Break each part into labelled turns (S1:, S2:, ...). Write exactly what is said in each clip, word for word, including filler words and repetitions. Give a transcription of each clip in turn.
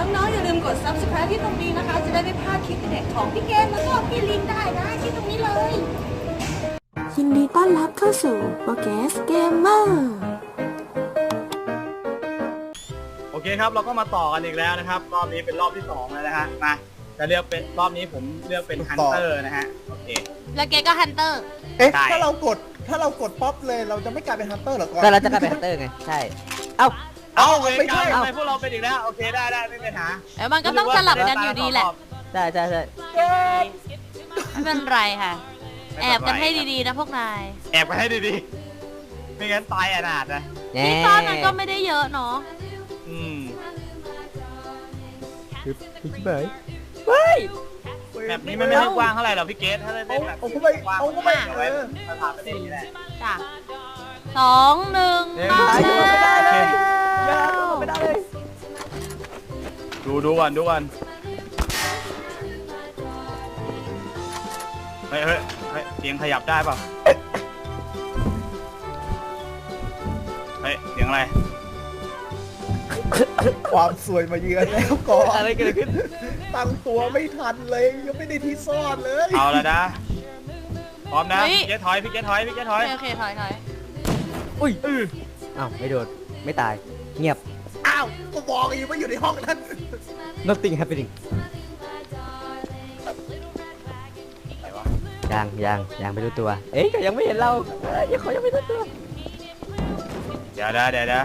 S1: น้องๆอย่าลืมกด ซับสไครบ์ ที่ตรงนี้นะคะจะได้ไม่พลาดคลิปเด็ดของพี่เกมแล้วก็พี่ลินได้นะที่ตรงนี้เลยยินดีต้อนรับเข้าสู่โปรแกสเกมเมอร์
S2: โอเคครับเราก็มาต่อกันอีกแล้วนะครับรอบนี้เป็นรอบที่สองแล้วนะฮะมาจะเลือกเป็นรอบนี้ผมเลือกเป็นฮันเตอร์นะฮะโอเค
S3: แล้วเกก็ฮันเตอร์
S4: เอ๊ะถ้าเรากดถ้าเรากดป๊อปเลยเราจะไม่กลายเป็นฮันเตอร์หรอก่อน
S5: แต่เราจะกลายเป็นฮันเตอร์ไงใช่เอ้า
S2: เอ้าไม่ใช่ทำไมพวกเราเป็นอีกแล้วโอเคได้ได้ไม่เป็นหา
S3: แล้วมันก็ต้องสลับกันอยู่ดีแหละ
S5: ใช่ใช่ใช่
S3: ไม่เป็นไรค่ะแอบกันให้ดีๆนะพวกนาย
S2: แอบกันให้ดีๆไม่งั้นตายอนาถนะ
S3: ที่ซ่อนมันก็ไม่ได้เยอะเนาะ
S2: อืม
S5: พี่เบย์เฮ้ย
S2: แบบนี้มันไม่ได้กว้างเท่าไหร่หรอกพี่เกสถ้าได้แบบ
S4: เอาเข้าไปเอาเข้าไป
S2: เอาไว้สถานประเทศนี่แหละ
S3: จ้ะสองหนึ่ง
S5: ไม่ได้เลยไม่ได้เลย
S2: ดูดูก่อนดูก่อนเฮ้ยเฮ้ยเฮ้ยเสียงขยับได้เปล่าเฮ้ยเสียงอะไร
S4: ความสวยมาเยือนแล้วก่อน
S5: อะไรเกิดขึ้น
S4: ตั้งตัวไม่ทันเลยยังไม่ได้ที่ซ่อนเลย
S2: เอาละนะพร้อมนะพี่เกสถอยพี่เกสถอยพี่เกสถอย
S3: โอเคถอยถอย
S5: อุ้ยอ้าวไม่โดนไม่ตายเงียบ
S4: อ้าวก็บอกอยู่ว่าอยู่ในห้องนั้น
S5: nothing happening ยังยังยังไม่รู้ตัวเอ๊ยก็ยังไม่เห็นเรายังเขายังไม่รู้ตัว
S2: เดี๋ยวนะเดี๋ยวนะ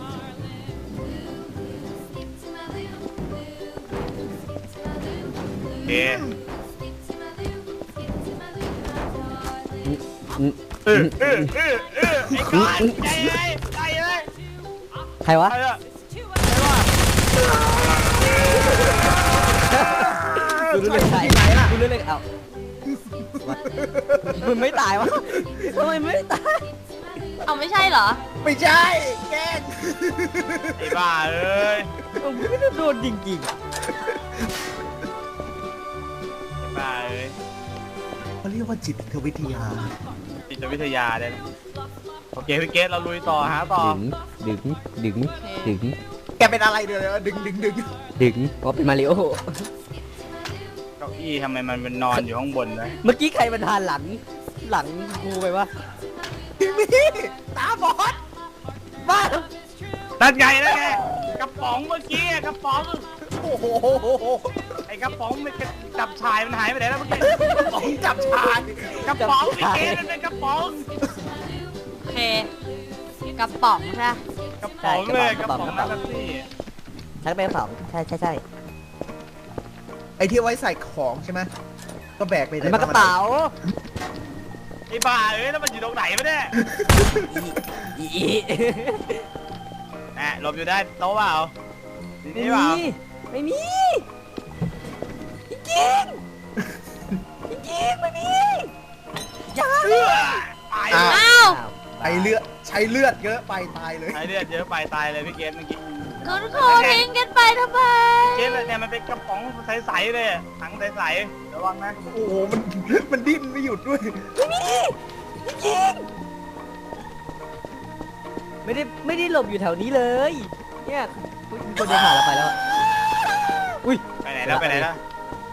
S2: โอเคเออเออเออเออไอ้ก้อนใจเลยใจเลย
S5: ใครวะกูรู้เลยใครกูรู้เลยเอ้ามึงไม่ตายวะทำไมไม่ตาย
S3: เอาไม่ใช่เหรอ
S4: ไม่ใช่แกล้ง
S2: ไอ้บ้าเอ้ย
S5: มึงไม่ได้โดนจริงๆ
S2: ไอ้บ้าเอ้ย
S4: เขาเรียกว่าจิตวิทยา
S2: จิตวิทยาได้โอเคพี่เกสเราลุยต่อฮะต่อ
S5: ดึงดึงดึงดึง
S4: แกเป็นอะไรเดี๋ยวดึงดึงดึง
S5: ดึงเพราะเป็นมาริโอ
S2: เก้าอี้ทำไมมันเป็นนอนอยู่ข้างบนเลย
S5: เมื่อกี้ใครมันทานหลังหลังกูไปวะ
S4: พี่มี่ตาบอด
S5: บ้า
S2: นั่นไงนั่นไงกระป๋องเมื่อกี้กระป๋อง
S4: โอ้โห
S2: ไอ้กระป๋องมันจับชายมันหายไปไหนแล้วเมื่อกี้
S4: กระป๋องจับชาย
S2: กระป๋องพี่เกสมันเป็นกระป๋อง
S3: โอเคกระป๋องใช่
S2: กระป๋องเลยกระป๋องน้ำซี่
S5: ใช้เป็นกระป๋องใช่ใช่ใช่
S4: ไอ้ที่ไว้ใส่ของใช่ไหมก็แบกไป
S5: เลยมันกระเป๋า
S2: ไอ้บ้าเอ้ยแล้วมันอยู่ตรงไหนวะเนี่ยแหมหลบอยู่ได้โต๊ะเปล่า
S5: ไม่มีไม่มีจริงจริงไม่มี
S2: อย่าตาย
S3: อ้าว
S4: ไอเลือดใช้เลือดเยอะไปตายเลย
S2: ใช้เลือดเยอะไปตายเลยพี่เกสเมื่อกี้
S3: คุณครูทิ้งกันไปทำไม
S2: เกสเนี่ยมันเป็นกระป๋องใสๆเลยถังใสๆระวังนะ
S4: โอ้โหมันมันดิ้นไม่หยุดด้วย
S5: ไม่มีจริงไม่ได้ไม่ได้หลบอยู่แถวนี้เลยเนี่ยมีคนเดินผ่านเราไปแล้วอุ้ย
S2: ไปไหนแล้วไปไหนแล้ว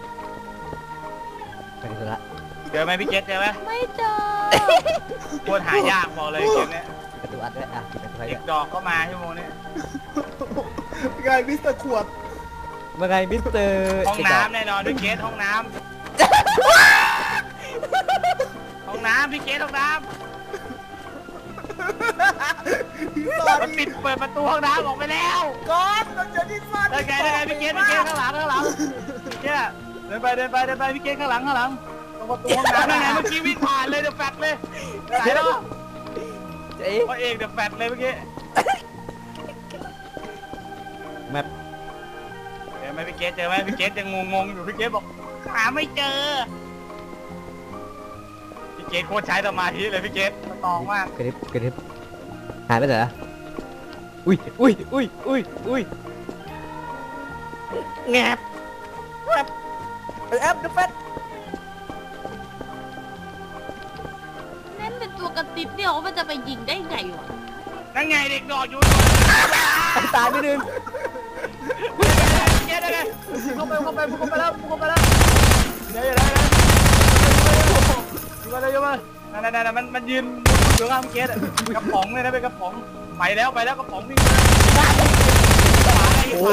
S5: ไปไหนละ
S2: เจอไหมพี่เกสเจอไหม
S3: ไม่เจอ
S2: โคตรหายากบอกเลยเกมนี้
S5: ประตูอัดด้วยอ่ะประตู
S2: เด็กดอกก็มาชั่วโมงนี้
S4: ไงมิสเตอร์ขวด
S5: เมื่อไงมิสเตอร์
S2: ห้องน้ำแน่นอนพี่เกสห้องน้ำห้องน้ำพี่เกสห้องน้ำมันปิดเปิดประตูห้องน้ำออกไปแล้ว
S4: ก่อนเราจะดิ้นฟัน
S2: ได้ไงได้ไงพี่เกสพี่เกสข้างหลังข้างหลังพี่เกสเดินไปเดินไปเดินไปพี่เกสข้างหลังข้างหลังตรงประตูห้องน้ำได้ไงเมื่อกี้วิ่งผ่านเลยเดี๋ยวแฟดเลยไหนแล้วพ่อเอกเดี๋ยวแฟดเลยเมื่อกี้
S5: แมป
S2: เจอไหมพี่เกสเจอไหมพี่เกสยังงงๆอยู่พี่เกสบอกหาไม่เจอพี่เกสโคตรใช้สมาธิเลยพี่เกสมันตองมาก
S5: กระดิบกระดิบหายไปไหนล่ะอุ้ยอุ้ยอุ้ยอุ้ยอุ้ยแงบแอบแอบเดอะแฟต
S3: นั่นเป็นตัวกระติบเดียวมันจะไปยิงได้ไงวะ
S2: นั่นไงเด็กดอกอยู่
S5: ตายไปหนึ่ง
S2: เกสเข้าไปเข้าไปเข้าไปแล้วเข้าไปแล้วเดี๋ยวเดี๋ยวเดี๋ยวอยู่มาเลยอยู่มานั่นนั่นนั่นมันมันยืนอยู่ข้างเกสกระป๋องเลยนะเป็นกระป๋องไปแล้วไปแล้วกระป๋องวิ่งขวา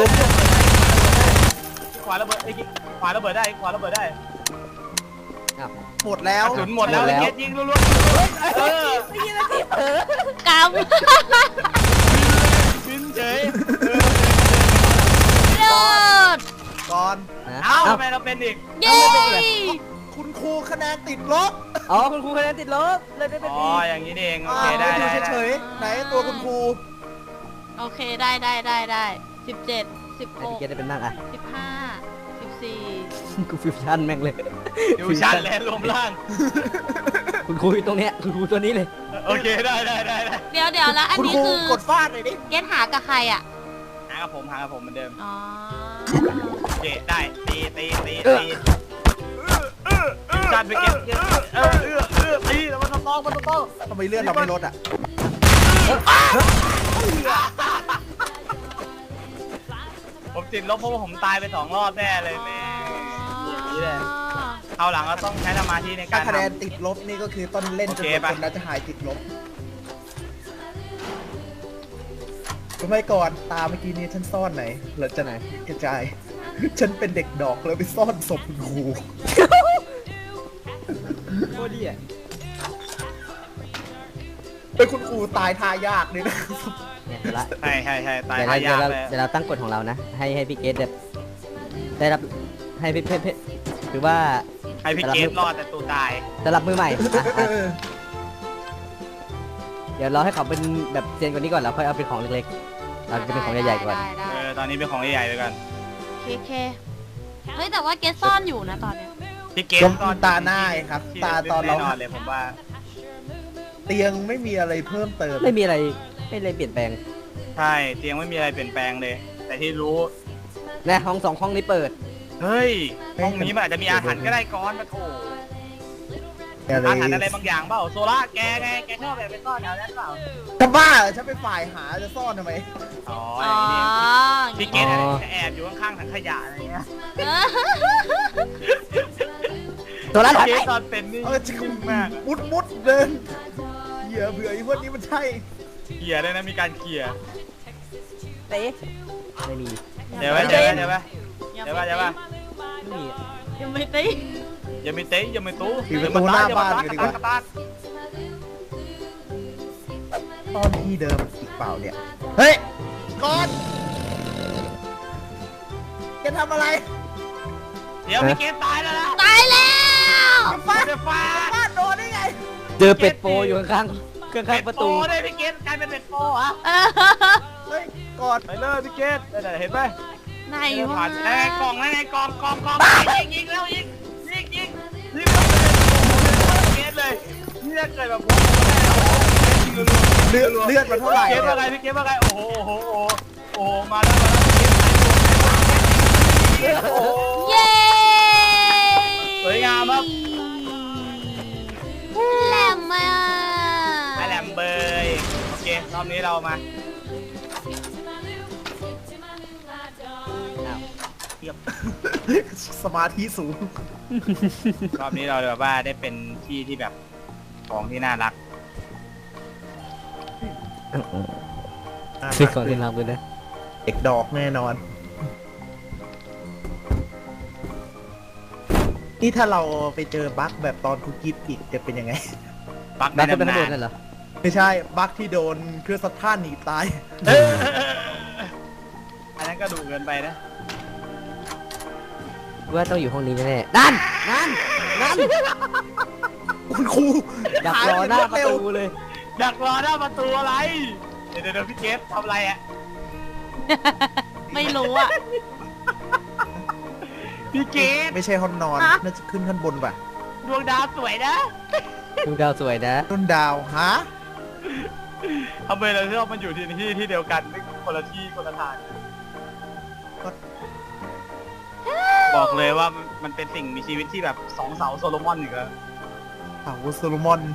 S2: ขวาระเบิดไอ้ขวาระเบิดได้ขวาระเบิดได้
S4: หมดแล้ว
S2: กระสุนหมดแล้วเกสยิงรัวๆเออก
S3: ำ
S2: บินเฉย
S3: เลิศ
S4: ก่อน
S2: เอ้าทำไมเราเป็นอีก
S3: เย้
S4: คุณครูคะแนนติดลบ
S5: อ๋อคุณครูคะแนนติดลบเลยได้เป็น
S2: อ๋อ
S5: ดี
S2: อย่างนี้เองโอ
S4: อ่า
S2: เคได้
S4: ดู
S2: ได้
S4: เฉยๆไหนตัวคุณครู
S3: โอเคได้ได้ได้ได้สิบเจ็ดสิบห
S5: ไอ้
S3: ก
S5: พี่เกดได้เป็นนั่งอ่ะ
S3: สิบห้าสิบสี่
S5: กูฟิวชั่นแม่งเลย
S2: ดิวชั่นแลนด์รวมล่าง
S5: คุณครูอยู่ตรงเนี้ยคุณครูตัวนี้เลย
S2: โอเคได้ได้ได้ได้
S3: เดี๋ยวเดี๋ยวแล้วอัน
S4: คุณ
S3: นี้
S4: ครู
S3: คือก
S4: ดฟาดหน่อยดิ
S3: เกตหากับใครอ่ะ
S2: หากับผมหากับผมเหมือนเดิม
S3: อ๋อ
S2: โอเคได้ตีตีตีตีจัดไปเก็บเออเออเออตีแล้วมันต้องมันต้อง
S4: ทำไมเลื่อนเราไม่ลดอ่ะ
S2: ผมติดลบเพราะว่าผมตายไปสองรอบแน่เลยแม่นี่แหละคราวหลังก็ต้องใช้สมาธิในกา
S4: ถ้าร คะแนน
S2: ทำ
S4: ติดลบนี่ก็คือต้นเล่นจน
S2: โอเค
S4: หมด
S2: ปะ
S4: คนแล้วจะหายติดลบทำไมก่อนตาเมื่อกี้นี้ฉันซ่อนไหนหรือจะไหนกระจาย ฉันเป็นเด็กดอกแล้วไปซ่อนศพคุณครู
S5: โคตรดีอ่ะ
S4: เป็นคุณครูตายทายากเลยนะ
S5: เนี่ยเดี๋ยวละ
S2: ใช่ใช่ใช่ตาย
S5: เดี๋ยว
S2: หา
S5: เรา
S2: ยาก
S5: เดี๋ยวเรา
S2: เลย
S5: เดี๋ยวเราตั้งกฎของเรานะ ให้ให้พี่เกดแบบได้รับให้พี่เพชรคือว่า
S2: ให้พี่เกมรอดแต่ตูตาย
S5: สำหรับมือใหม่อ่ะอ่ะเดี๋ยวเราให้เขาเป็นแบบเซียนกว่านี้ก่อนแล้วค่อยเอาเป็นของเล็กๆเราจะเป็นของใหญ่ๆก่อน
S3: ได้ได้
S2: เออตอนนี้เป็นของใหญ่ๆไปกัน
S3: เคเคเฮ้ยแต่ว่าเกตซ่อนอยู่นะตอนเนี้ย
S2: พี่เกม
S4: ก็ตาหน้าไงครับ ตาตอนเรา
S2: แน่นอนเลยผมว่า
S4: เตียงไม่มีอะไรเพิ่มเติม
S5: ไม่มีอะไรไม่เลยเปลี่ยนแปลง
S2: ใช่เตียงไม่มีอะไรเปลี่ยนแปลงเลย แต่ที่รู้
S5: นะห้องสองห้องนี้เปิด
S2: เฮ้ยห้องนี้มันอาจจะมีอาถรรพ์ก็ได้ก้อนมาโถ
S4: อะไร
S2: อาถรรพ์อะไรบางอย่างเปล่าโซล่าแกไงแกชอบแบบไปซ่อนแถวนั้นเปล่า
S4: จะบ้าเหรอฉันเป็นฝ่ายหาจะซ่อนทำไม
S2: อ๋อ
S3: อ๋อ
S2: อย่างนี้พี่เกดจะแอบอยู่ข้างๆถังขยะอะไรเงี้ย
S5: ตัวละ
S2: พี่เกดตอนเป็นนี่
S4: เออจะ
S2: นิ่งมาก
S4: มุดมุดเดินเหยื่อเบื่อไอ้พวกนี้มันใช่
S2: เขี่ยเลยนะมีการเขี่ย
S5: เตะไม่มี
S2: เดี๋ยวไปเดี๋ยวไปเดี๋ยวไป
S3: อย่า
S2: เดี๋ยวไป
S3: ไป
S2: เดี๋ยวไป
S5: ไม่มี
S3: ยังไม่ตี
S2: อย่ามีเตะอย่ามีตู้
S4: ปิดประตูหน้าบ้าน
S2: ก
S4: กัน
S2: ระ
S4: ดี
S2: ตาก
S4: ว่า
S2: กระตาก
S4: ตอนที่เดิมอีกเปล่าเนี่ย เฮ้ยก่อนแกทำอะไร
S2: เดี๋ยวพี่เกดตายแล้วนะ
S3: ตายแล้ว
S4: ฟาด
S2: เดี๋ยวฟาด
S4: ฟาดโดนได้ไง
S5: เจอเป็ดโปอยู่ข้างๆข้างๆประตู
S2: โได้พี่เกดกลายเป็นเป็ดโปอ่ะ
S3: เออ
S4: เฮ้ยก่อน
S2: ไปเลยพี่เกดเดี๋ยวเห็นไหม
S3: ไหน
S2: ไอ้
S3: วะ
S2: ผ่านไอ้กล่องไอ้กล่องกล่องกล่องยิงยิงแล้วยิงยิงยิงยิงเกดเลยนี่ถ้าเกิดแบบ
S4: เลือดเลือดมันเท่าไหร่
S2: เกด
S4: เนี่
S2: ว่าไง
S4: ย
S2: พี่เกดว่าไงโอ้โหโอ้โหโอ้โหมาแล้วมาแล้วโอ้โห
S3: เย้
S2: สวยงามครับ
S3: แหลมมา
S2: ไอแหลมเบยโอเครอบนี้เรามา
S4: สมาธิสูง
S2: รอบนี้เราแบบว่าได้เป็นที่ที่แบบของที่น่ารัก
S5: ซื้อของที่รักเลยนะ
S4: เด็กดอกแน่นอน นี่ถ้าเราไปเจอบั๊กแบบตอนคุกกี้อีกจะเป็นยังไง
S2: ปัก
S5: บ้า
S2: ใน
S5: นเป็น
S2: ตำ
S5: ตำรวจ
S2: นา
S5: นั่
S2: น
S5: นเหรอ
S4: ไม่ใช่ บั๊กที่โดนเครื่องซัดท่านหนีตาย
S2: เอออันนั้นก็ดูเกินไปนะ
S5: ว่าต้องอยู่ห้องนี้แน่ๆนั่นนั่นนั่น
S4: คุณครู
S5: ดักรอหน้าประตูเลย
S2: ดักรอหน้าประตูอะไร เดี๋ยวเดี๋ยวพี่เกฟทำอะไรอ่ะ
S3: ไม่รู้อ่ะ
S2: พี่เกฟ
S4: ไม่ใช่ห้องนอน
S3: ฮะ
S4: น่าจะขึ้นขั้นบนป่ะ
S2: ดวงดาวสวยนะ
S5: ดูดาวสวยนะ
S4: ต้นดาวฮะ
S2: ทำไมเราชอบมันอยู่ที่ที่ที่เดียวกันไม่คนละที่คนละทางบอกเลยว่ามันเป็นสิ่งมีชีวิตที่แบบสองเสาโซโลมอนอีกแล้ว
S4: เสาโซโลมอน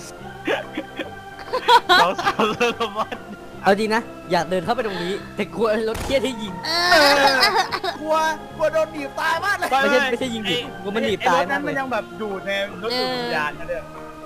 S2: สองเสาโซโลมอน
S5: เอาจริงนะ อยากเดินเข้าไปตรงนี้ แต่กลัวรถเทียที่ยิง
S3: เออ
S4: กลัวกลัวโดนหนีบตายมากเลย
S5: ไม่ใช่ไม่ใช่ยิงดิกูมันหนีบตาย
S2: ไอ้รถนั้
S5: มาก
S2: น
S5: เล
S2: มัน
S5: ย
S2: ยังแบบดูดในรถดูดวิญญาณนะเด้อ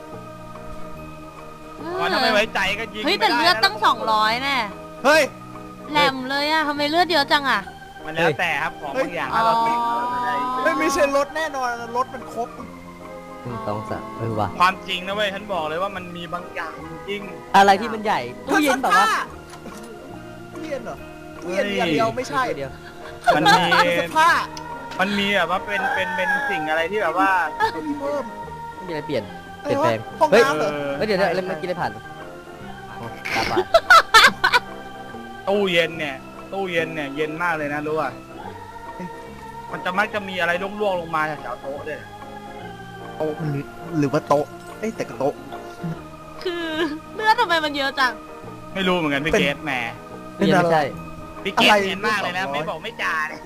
S2: ถ้าไม่ไว้ใจก็ยิง
S3: เฮ้ยแต่เลือดตั้งสองร้อยแน่
S4: เฮ้ย
S3: แหลมเลยอะทำไมเลือดเยอะจังอะ
S2: มันแล้วแต่ครับของบางอย่าง
S3: อ๋อ
S2: ถ้าเราติดอะไร
S4: ไม่ไม่ใช่รถแน่นอนรถมันครบ
S5: หนึ่งสองสามเออว่ะ
S2: ความจริงนะเว้ยฉันบอกเลยว่ามันมีบางอย่างจริง
S5: อะไรที่มันใหญ่ตู้เย็นแบบว่า
S4: ตู้เย็นเหรอตู้เย็นอย่างเดียวไม่ใช่
S5: เดียว
S2: มันมี
S4: เสื้อผ้า
S2: มันมีแบบว่าเป็นเป็นเป็นสิ่งอะไรที่แบบว่า
S4: มีเพิ่ม
S5: ไม่มีอะไรเปลี่ยนเปลี่ยนแปลง
S4: ห้อง
S5: เฮ้ย
S4: น้ำเหรอ
S5: เฮ้ยเดี๋ยวเดี๋ยวเมื่อกี้ได้ผ่านอ๋อตาบาด
S2: ตู้เย็นเนี่ย ตู้เย็นเนี่ยเย็นมากเลยนะรู้ป่ะมันจะมักจะมีอะไรล่วงๆลงมาจากแถวโต๊ะด้วย
S4: โต๊ะมันหรือว่าโต๊ะเอ้ยแต่ก็โต๊ะ
S3: คือเลือดทำไมมันเยอะจัง
S2: ไม่รู้เหมือนกันพี่
S4: เป็น
S2: เกตแหม
S5: ตู้เย็นไม่ใช่
S2: พี่เกต
S4: อะไร
S2: เห็นมากเลยนะ
S4: สองร้อย
S2: ไม่บอกไม่จ่าเนี่ย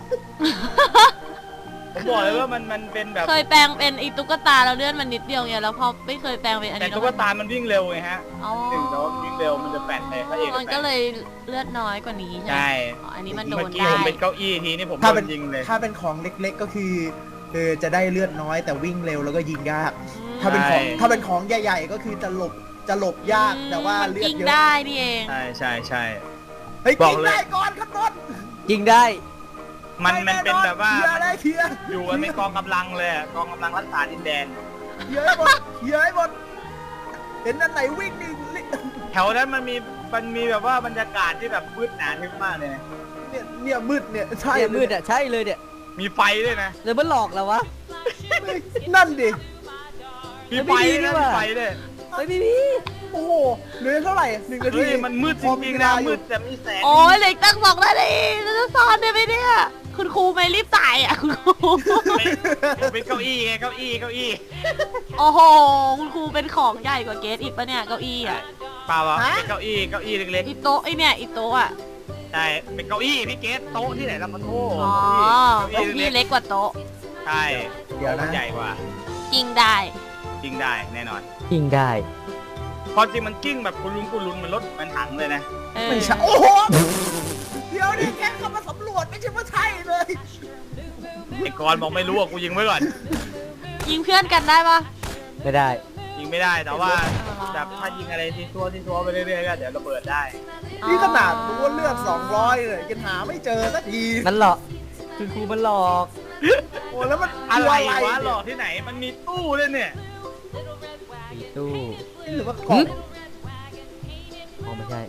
S2: ผมบอกเลยว่ามันมันเป็นแบบ
S3: เคยแปลงเป็นอีตุ๊กตาแล้วเลือดมันนิดเดียวไงแล้วพอไม่เคยแปลงเป็นอัน
S2: แต่
S3: นี้
S2: ตุ๊กตามันวิ่งเร็วไงฮะ
S3: อ๋อ
S2: ถึงแล้ววิ่งเร็วมันจะแปดเลยพระเอก
S3: มันก็เลยเลือดน้อยกว่านี้ใช่ไหม
S2: ใช่
S3: อ๋ออันนี้มันโด
S2: เมื่อน กี้
S3: ได้
S2: ผมเป็นเก้าอี้ทีนี่ผมโด
S4: ถ้าเป็น
S2: นยิงเลย
S4: ถ้าเป็นของเล็กๆก็คือเออจะได้เลือดน้อยแต่วิ่งเร็วแล้วก็ยิงยาก ถ้าเป็นของ
S2: ใช่
S4: ถ้าเป็นของใหญ่ๆก็คือจะหลบจะหลบยากแต่ว่าเลือด
S3: ยิง
S4: เยอะ
S3: ได้นี่เอง
S2: ใช่ใช่ใช่
S4: เฮ้ย
S2: บอ
S4: กิ
S2: ก
S4: น
S2: เลย
S4: ได้ก่อนครับนนท์
S5: ยิงได้
S2: มันมันเป็นแบบว่า
S4: เคลียร์ได้เคลียร์
S2: อยู่กันเป็นกองกำลังเลยอะกองกำลังรักษาดินแดน
S4: เคลียร์ให้หมดเคลียร์ให้หมดเห็นอันไหนวิ่งนี่ลิ
S2: แถวนั้นมันมีมันมีแบบว่าบรรยากาศที่แบบมืดหนาทึบมากเลยนะ
S4: เนี่ยเนี่ยมืดเนี่ยใช่
S5: เนี่ย
S4: เลย
S5: มืดอ่ะใช่เลยเนี่ย
S2: มีไฟด้วยนะ
S5: เดี๋ยวมันหลอกเราวะ
S4: นั่นดิ
S2: มีไฟด้วยนะ
S5: ไม่ดีนี่ห
S2: มี
S5: ว่า
S2: ไฟด้วย
S5: เฮ้ยพี่พี่
S4: โอ้โหเหลือเท่าไหร่หนึ่งนาที
S2: เฮ้ยมันมืดจริงๆนะมืดแต่มีแสง
S3: โอ้ยเหล็กตั้งสองนาทีเราจะซ่อนได้ไหมเนี่ยคุณครูไม่รีบตายอ่ะคุณครู
S2: เป็นเก้าอี้ไงเก้าอี้เก้าอี้
S3: โอ้โหคุณครูเป็นของใหญ่กว่าเกสอีกปะเนี่ยเก้าอี้อ่ะ
S2: เปล่าวะเป็นเก้าอี้เก้าอี้เล็ก
S3: อีโต๊ะไอเนี่ยอีโต๊ะอ่ะ
S2: ๆใช่เป็นเก้าอี้พี่เกสโต๊ะที่ไหนล่ะมันโทษ
S3: อ๋อ
S2: เก้า
S3: เก้า
S2: อี้
S3: อี้
S2: เล็
S3: เล็
S2: ก
S3: กกว่าโต๊ะ
S2: ๆใช่
S4: เดี๋ยวนะ
S2: ใหญ่กว่า
S3: จริงได้
S2: จริงได้แน่นอน
S5: ยิงได้
S2: ความจริงมันกิ้งแบบกุลุนกุลุนมันรถมันถังเลยนะ
S3: เออ
S4: ไม่ใช่โอ้โหเดี๋ยวนี่แค่เข้ามาสำรวจไม่ใช่ว่าใช่เลย
S2: ไอ้กรณ์บอกไม่รู้อ่ะกูยิงไว้ก่อน
S3: ยิงเพื่อนกันได้ปะ
S5: ไม่ได้
S2: ยิงไม่ได้แต่ว่า
S3: อ๋อ
S2: แบบถ้ายิงอะไรที่ทั่วที่ทั่วไปเรื่อยๆก็เดี๋ยวระเบิดได้
S4: นี่ขนาดรู้ว่าเลือดสองร้อยเลยยังหาไม่เจอสักที
S5: มันหลอกคือครูมันหลอก
S4: โอ้แล้วมัน
S2: อะไร
S4: คือ
S2: วะหล
S4: เนี่
S2: อย กที่ไหนมันมีตู้เลยเนี่ย
S5: มีตู้
S4: หรือว่ากล่อง
S5: อ๋อไม่ใช่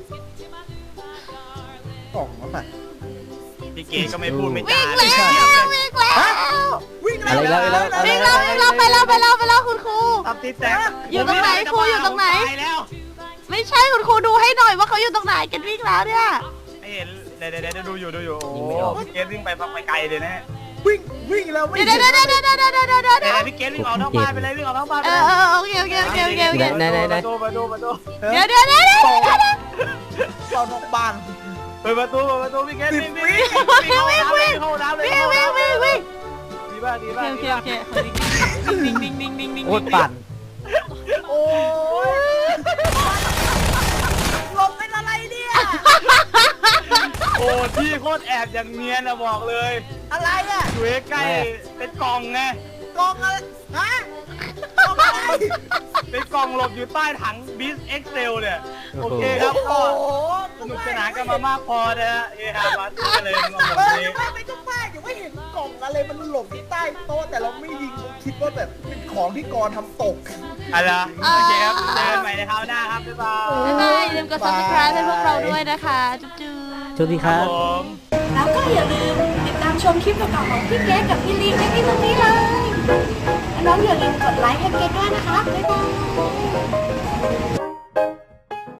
S4: กล่องวะป่ะ
S2: พี่เก๋ก็ไม่พูดไม่
S3: วิ่
S2: จาง เล
S3: แล้
S2: ยว เงียบเลย
S3: วิ่งแล้ว
S4: วิ่ง
S5: อะไรแล้วอะไรแล้ว
S3: วิ่งแล้ววิ่งแล้วไปแล้วไปแล้วไปแล้วคุณครู
S2: ตับติดแตก
S3: อยู่ตรงไหนครูอยู่ตรงไหน
S2: ตายแล้ว
S3: ไม่ใช่คุณครูดูให้หน่อยว่าเขาอยู่ตรงไหนกันวิ่งแล้วเนี่ย
S2: ไอ้เห็นเดี๋ยวเดี๋ยวเดี๋ยวดูอยู่ดูอยู่โอ้
S5: ยิงไม่ออก
S2: พี่เก๋วิ่งไปพักไปไกลเลยนะ
S4: วิ่งวิ่งแล้วไม่
S3: เดี๋ยว
S4: เห็น
S3: เดี๋ยวเดี๋ยวเดี๋ยวเดี๋ยวเดี๋ยวเดี๋ยวเดี๋ยว
S2: เดี๋ยวพี่เก๋วิ่งออกนอกบ้านไปเลยวิ่งออกนอกบ้านไป
S3: เอ
S2: เล
S3: อย เออโอเคโอเคโอเคโอเคโอเค
S5: ไหนไหนไหน
S2: ประตูประตูประตู
S3: เดี๋ยวเดี๋ยวเดี๋ยวเดี๋ยว
S4: กล่องกล่องนอกบ้าน
S2: เปิดประตูเปิดประตูพี่เก๋วิ่งวิ่งวิ่ง
S3: วิ่งวิ่ง
S2: เข้าน้ำเลย
S3: วิ่งวิ่งวิ่งวิ่ง
S2: ดีป่ะดี
S3: โอ
S2: ป่ะ
S3: เค
S2: ดี
S3: โอ
S2: ป่ะ
S3: เคโอเควิ่งวิ่งวิ่งวิ่งวิ่ง
S5: โคตรปั่น
S4: โอ้ยหลบเป็นอะไรเนี่ย
S2: โอ้ที่โคตรแอบอย่างเนียนนะบอกเลย
S4: อะไรอ่ะ
S2: อยู่ใกล้ๆเป็นกล่องไง
S4: กล่องอะไรฮะกล่องอะไร
S2: เป็นกล่องหลบอยู่ใต้ถังบิสเอ็กเซลเนี่ย
S5: โอ้
S2: โอ
S5: โห
S2: เคครับ
S4: โอ้
S2: ก็
S4: โห
S2: สนุกสนานกันมามากพอนะฮะเฮฮามาสู้กันเลยมาหมด
S4: เออ
S2: นี้
S4: ไม่ไม่ต้องป้ายอย่าไม่เห็นกล่องอะไรมันหลบที่ใต้โต๊ะแต่เราไม่ยิงคิดว่าแบบเป็นของที่กรทำตก
S2: อะไรโอเคครับเจอกันใหม่ในคราวหน้าครับบ๊ายบาย
S3: บ๊ายบายอย่าลืมกด subscribe ให้พวกเราด้วยนะคะจุ๊บจุ๊บ
S5: สวัสดีครับ
S2: ผม
S1: แล้วก็อย่าลืมติดตามชมคลิปเก่าๆของพี่เกดกับพี่ลิงได้ที่ตรงนี้เลย น้องอย่าลืมกดไลค์ให้เกดด้วยนะคะ บ๊ายบาย